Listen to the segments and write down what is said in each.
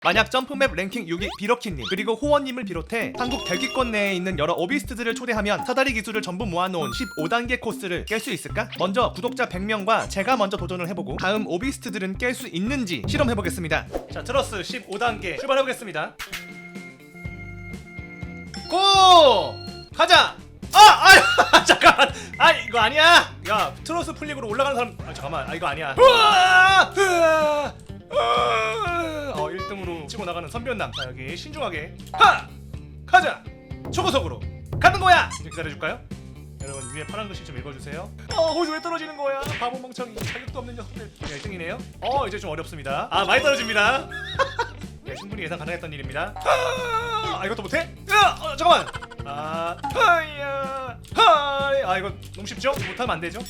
만약 점프맵 랭킹 6위 비러키님 그리고 호원님을 비롯해 한국 대기권 내에 있는 여러 오비스트들을 초대하면 사다리 기술을 전부 모아놓은 15단계 코스를 깰 수 있을까? 먼저 구독자 100명과 제가 먼저 도전을 해보고 다음 오비스트들은 깰 수 있는지 실험해보겠습니다. 자, 트러스 15단계 출발해보겠습니다. 고! 가자! 잠깐만! 이거 아니야! 야, 트러스 플릭으로 올라가는 사람... 잠깐만, 이거 아니야. 1등으로 치고 나가는 선변남. 자, 여기 신중하게 가자! 초고속으로 가는 거야! 좀 기다려줄까요? 여러분, 위에 파란 글씨 좀 읽어주세요. 거기서 왜 떨어지는 거야? 바보 멍청이, 자격도 없는 녀석들. 1등이네요. 이제 좀 어렵습니다. 많이 떨어집니다. 네, 충분히 예상 가능했던 일입니다. 이것도 못해? 잠깐만! 이거 너무 쉽죠? 못하면 안 되죠?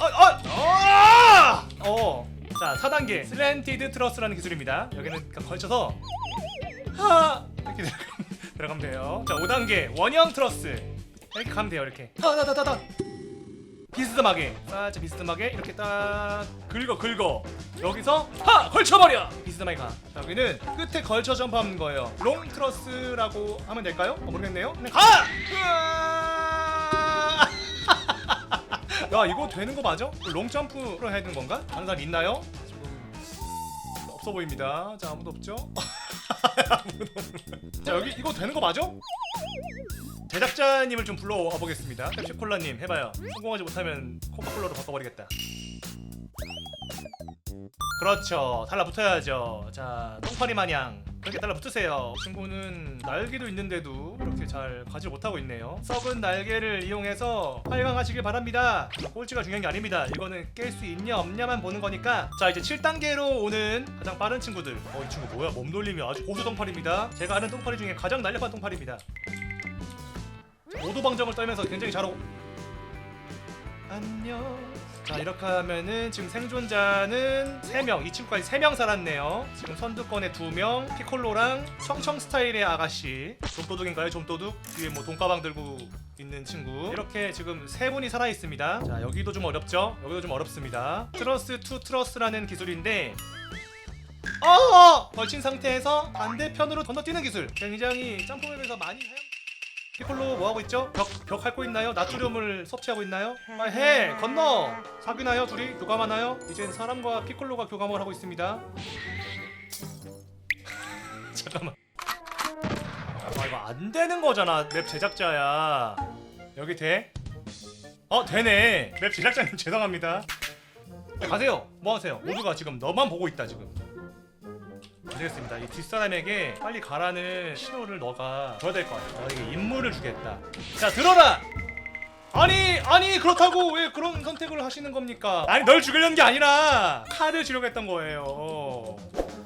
자, 4단계 슬랜티드 트러스라는 기술입니다. 여기는 걸쳐서 이렇게 들어가면 돼요. 자, 5단계 원형 트러스. 이렇게 가면 돼요. 이렇게 비스듬하게, 살짝 비스듬하게 이렇게 딱 긁어 여기서 걸쳐버려. 비스듬하게 가. 자, 여기는 끝에 걸쳐 점프하는 거예요. 롱 트러스라고 하면 될까요? 모르겠네요. 그냥 가! 야, 이거 되는 거 맞아? 롱 점프로 해야 되는 건가? 다른 사람 있나요? 지금 없어 보입니다. 자, 아무도 없죠? 자, 여기 이거 되는 거 맞아? 제작자님을 좀 불러와 보겠습니다. 펩시콜라님 해봐요. 성공하지 못하면 코카콜라로 바꿔버리겠다. 그렇죠, 달라붙어야죠. 자, 똥파리 마냥 그렇게 달라붙으세요. 이 친구는 날개도 있는데도 이렇게 잘 가지 못하고 있네요. 썩은 날개를 이용해서 활강하시길 바랍니다. 꼴찌가 중요한 게 아닙니다. 이거는 깰 수 있냐 없냐만 보는 거니까. 자, 이제 7단계로 오는 가장 빠른 친구들. 이 친구 뭐야? 몸돌림이 아주 고수 똥파리입니다. 제가 아는 똥파리 중에 가장 날렵한 똥파리입니다. 오도방정을 떨면서 굉장히 잘하고. 안녕. 자, 이렇게 하면은 지금 생존자는 3명, 이 친구까지 3명 살았네요. 지금 선두권에 2명, 피콜로랑 청청 스타일의 아가씨. 좀도둑인가요? 좀도둑? 뒤에 뭐 돈가방 들고 있는 친구. 이렇게 지금 3분이 살아있습니다. 자, 여기도 좀 어렵죠? 여기도 좀 어렵습니다. 트러스 투 트러스라는 기술인데 걸친 상태에서 반대편으로 건너뛰는 기술. 굉장히 점프맵에서 많이 피콜로 뭐하고 있죠? 벽 핥고 있나요? 나트륨을 섭취하고 있나요? 건너! 사귀나요? 둘이? 교감하나요? 이젠 사람과 피콜로가 교감을 하고 있습니다. 잠깐만. 이거 안 되는 거잖아. 맵 제작자야. 여기 돼? 되네. 맵 제작자님 죄송합니다. 가세요. 뭐 하세요? 모두가 지금 너만 보고 있다 지금. 되겠습니다. 이 뒷사람에게 빨리 가라는 신호를 너가 줘야 될 것 같아. 너에게 임무를 주겠다. 자, 들어라! 아니 그렇다고 왜 그런 선택을 하시는 겁니까? 아니, 널 죽이려는 게 아니라 칼을 주려고 했던 거예요.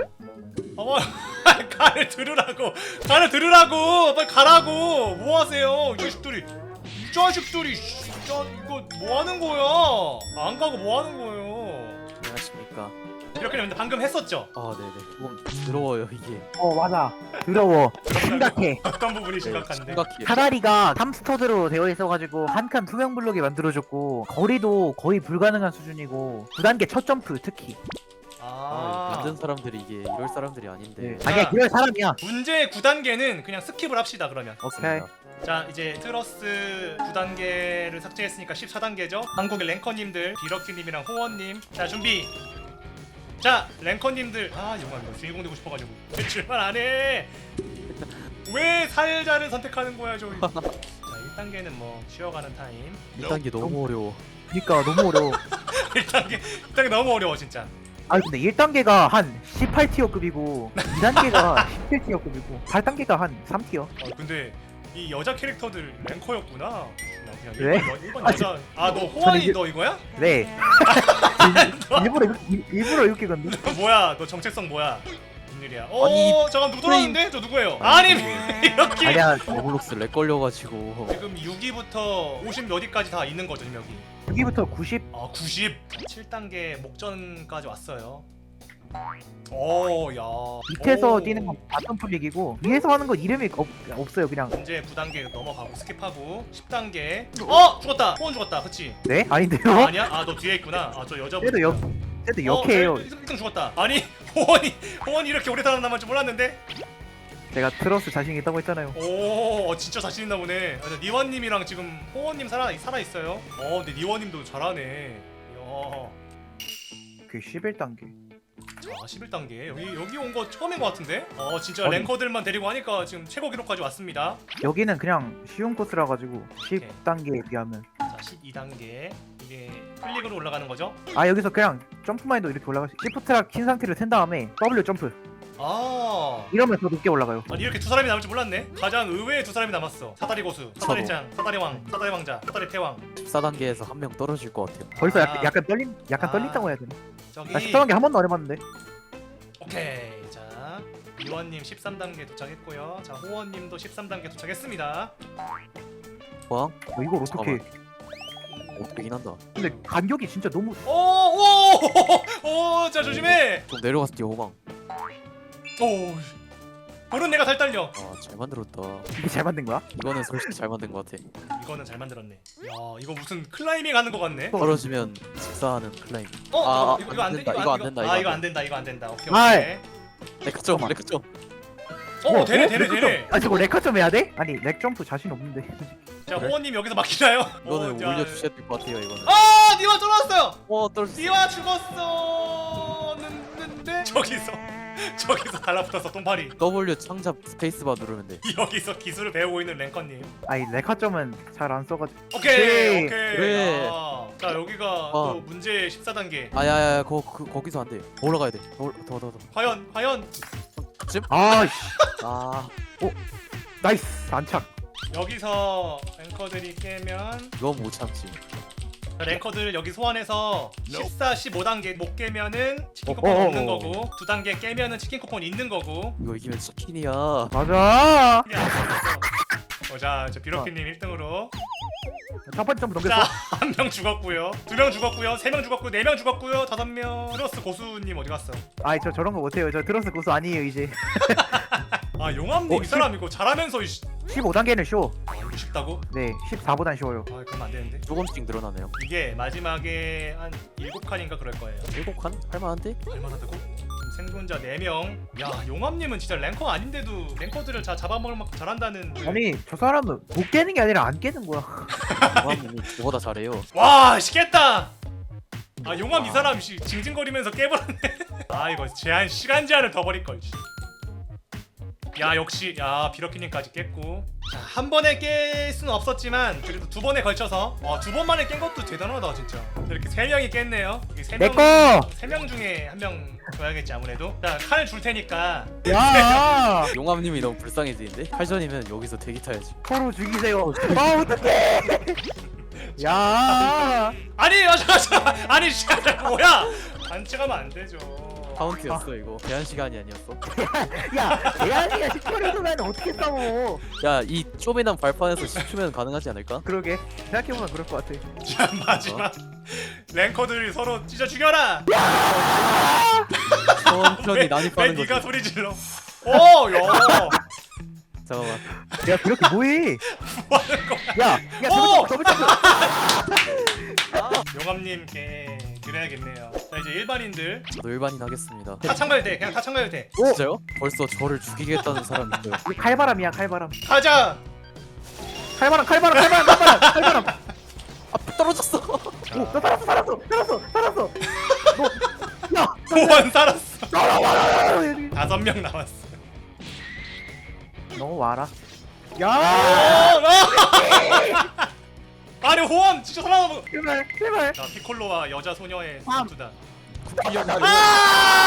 칼을 들으라고 빨리 가라고. 뭐 하세요? 이 자식들이 진짜 이거 뭐 하는 거야? 안 가고 뭐 하는 거예요? 안녕하십니까. 이렇게 근데 방금 했었죠? 네네. 조금 더러워요 이게. 맞아. 더러워. 심각해. 어떤 부분이 심각한데? 심각해. 사다리가 탐스터드로 되어 있어가지고 한 칸 투명 블록이 만들어졌고 거리도 거의 불가능한 수준이고 9단계 첫 점프 특히. 만든 사람들이 이게 이럴 사람들이 아닌데. 아니야, 이럴 사람이야. 문제 9단계는 그냥 스킵을 합시다. 그러면 오케이. 자, 이제 트러스 9단계를 삭제했으니까 14단계죠. 한국의 랭커님들 비러키님이랑 호원님. 자, 준비. 자, 랭커님들. 영광, 이거 주인공 되고 싶어가지고 왜 출발 안해? 왜 살자를 선택하는 거야 저기. 자, 1단계는 뭐 쉬어가는 타임. 1단계 너무 어려워. 그니까 너무 어려워. 1단계 너무 어려워 진짜. 근데 1단계가 한 18티어급이고 2단계가 17티어급이고 8단계가 한 3티어. 근데 이 여자 캐릭터들 랭커였구나. 왜? 일반 여자. 너 호환이 너 이거야? 네. 일부러 이렇게 건데. 뭐야? 너 정체성 뭐야? 무슨 일이야? 아니, 잠깐 누구 들어왔는데? 저 누구예요? 아니 이렇게. 아니야. 로블록스 렉 걸려가지고. 지금 6위부터 50 몇 위까지 다 있는 거죠 지금 여기. 6위부터 90. 90. 7단계 목전까지 왔어요. 야. 밑에서 뛰는 건 바텀 플릭이고 위에서 하는 건 이름이 없어요. 그냥. 이제 9단계 넘어가고 스킵하고 10단계. 죽었다. 호원 죽었다. 그치? 네? 아닌데요? 아니야? 너 뒤에 있구나. 저 여자분. 쟤도 역해요. 1등 죽었다. 아니 호원이 이렇게 오래 살아남을 줄 몰랐는데. 제가 트러스 자신 있다고 했잖아요. 오, 진짜 자신 있나 보네. 아, 니원님이랑 지금 호원님 살아 있어요. 근데 니원님도 잘하네. 이야. 그 11단계. 자, 11단계. 여기 온 거 처음인 것 같은데? 진짜 아니. 랭커들만 데리고 하니까 지금 최고 기록까지 왔습니다. 여기는 그냥 쉬운 코스라 가지고 10단계에 비하면. 자, 12단계. 이게 클릭으로 올라가는 거죠? 아 여기서 그냥 점프만해도 이렇게 올라갈 수. 시프트랑 킨 상태를 센 다음에 W 점프. 아. 이러면 더 높게 올라가요. 아니 이렇게 두 사람이 남을 줄 몰랐네. 가장 의외의 두 사람이 남았어. 사다리 고수, 사다리 짱, 사다리 왕, 사다리 왕자, 사다리 태왕. 14단계에서 한 명 떨어질 것 같아요. 벌써 아. 약간 떨린다고 해야 되나? 저기. 나 14단계 한 번도 안 해봤는데. 오케이. 자, 이원님 13단계 도착했고요. 자, 호원님도 13단계 도착했습니다. 와? 이걸 어떻게? 어떻게긴 한다. 근데 간격이 진짜 너무. 자 조심해. 좀 내려갔을 때 호방. 오, 볼은 내가 살 떨려. 아, 잘 만들었다. 이게 잘 만든 거야? 이거는 솔직히 잘 만든 것 같아. 이거는 잘 만들었네. 야, 이거 무슨 클라이밍 하는 거 같네. 떨어지면 직사하는 클라임. 이거 안 돼. 이거 안 된다. 이거 안 된다. 이거 안 된다. 오케이. 아이. 오케이. 레크점, 레크점. 되네. 아 저거 레카 좀 해야 돼? 아니 렉 점프 자신 없는데. 자, 호원님 여기서 막히나요? 이거는 자, 올려주셔야 될 것 같아요. 이거는. 니와 떨어졌어요. 떨어졌어. 니와 죽었었는데 저기서 달라붙어서 똥파리. W 창잡 스페이스바 누르면 돼. 여기서 기술을 배우고 있는 랭커님. 아니 레카 점은 잘 안 써가지고. 오케이. 그래. 자, 여기가 또 문제 14단계. 아야야야, 거기서 안 돼. 더 올라가야 돼. 더. 과연 아씨. 아, 나이스 안착. 여기서 랭커들이 깨면 이건 못 참지. 랭커들 여기 소환해서 14, 15단계 못 깨면은 치킨 어, 쿠폰 어, 없는 어. 거고 2단계 깨면은 치킨 쿠폰 있는 거고. 이거 이기면 치킨이야. 맞아. 자, 저 비로키님 1등으로. 첫 번째 점프 자, 넘겼어. 한 명 죽었고요, 2명 죽었고요, 3명 죽었고요, 4명 죽었고요, 5명. 트러스 고수님 어디 갔어? 아이 저 저런 거 못해요. 저 트러스 고수 아니에요 이제. 아, 용암님 이 사람 이거 잘하면서 15단계는 쉬워. 이거 쉽다고? 네 14보단 쉬워요. 아, 그러면 안 되는데. 조금씩 늘어나네요. 이게 마지막에 한 7칸인가 그럴 거예요. 7칸? 할만한데? 얼마나다고? 생존자 4명. 야, 용암님은 진짜 랭커 아닌데도 랭커들을 잡아먹을 만큼 잘한다는. 아니 저 사람은 못 깨는 게 아니라 안 깨는 거야. 용암님이 저보다 잘해요. 와, 시겠다. 아, 용암 이 사람 징징거리면서 깨버렸네. 아, 이거 시간 제한을 더 버릴 걸. 야, 역시 비러키님까지 깼고. 자, 한 번에 깰 수는 없었지만 그래도 두 번에 걸쳐서 2번 만에 깬 것도 대단하다 진짜. 이렇게 3명이 깼네요. 내 거. 3명 중에 한 명 줘야겠지 아무래도. 자, 칼 줄 테니까. 야. 용암님이 너무 불쌍해지는데? 칼전이면 여기서 대기 타야지. 서로 죽이세요. 아 어떡해. 야. 아니, 잠깐. 아니, 뭐야? 반칙하면 안 되죠. 카운트였어 이거. 제한 시간이 아니었어. 야 대한이가 10초를 두면 어떻게 싸워. 야, 이 쪼매난 발판에서 10초면 가능하지 않을까? 그러게 생각해보면 그럴 것 같아. 자, 마지막 랭커들이 서로 찢어 죽여라. 천천히 왜 난입하는 거지. 네가 소리 질러? 야. 잠깐만. 야 그렇게 뭐해? 뭐하는 거야? 야 더블 점프. 용암님께 드려야겠네요. 자, 이제 일반인들 저도 일반인 하겠습니다. 타창가도 돼. 그냥 타창가도 돼. 진짜요? 벌써 저를 죽이겠다는 사람이 있어요. 이거 칼바람이야 칼바람. 가자. 칼바람. 아, 떨어졌어. 너 살았어. 너. 야. 호원 살았어. 너. 5명 남았어. 너 와라. 어, 야. 아니, 호원 진짜 살아남은. 제발. 자, 피콜로와 여자 소녀의 아. 전투다. 야. 아!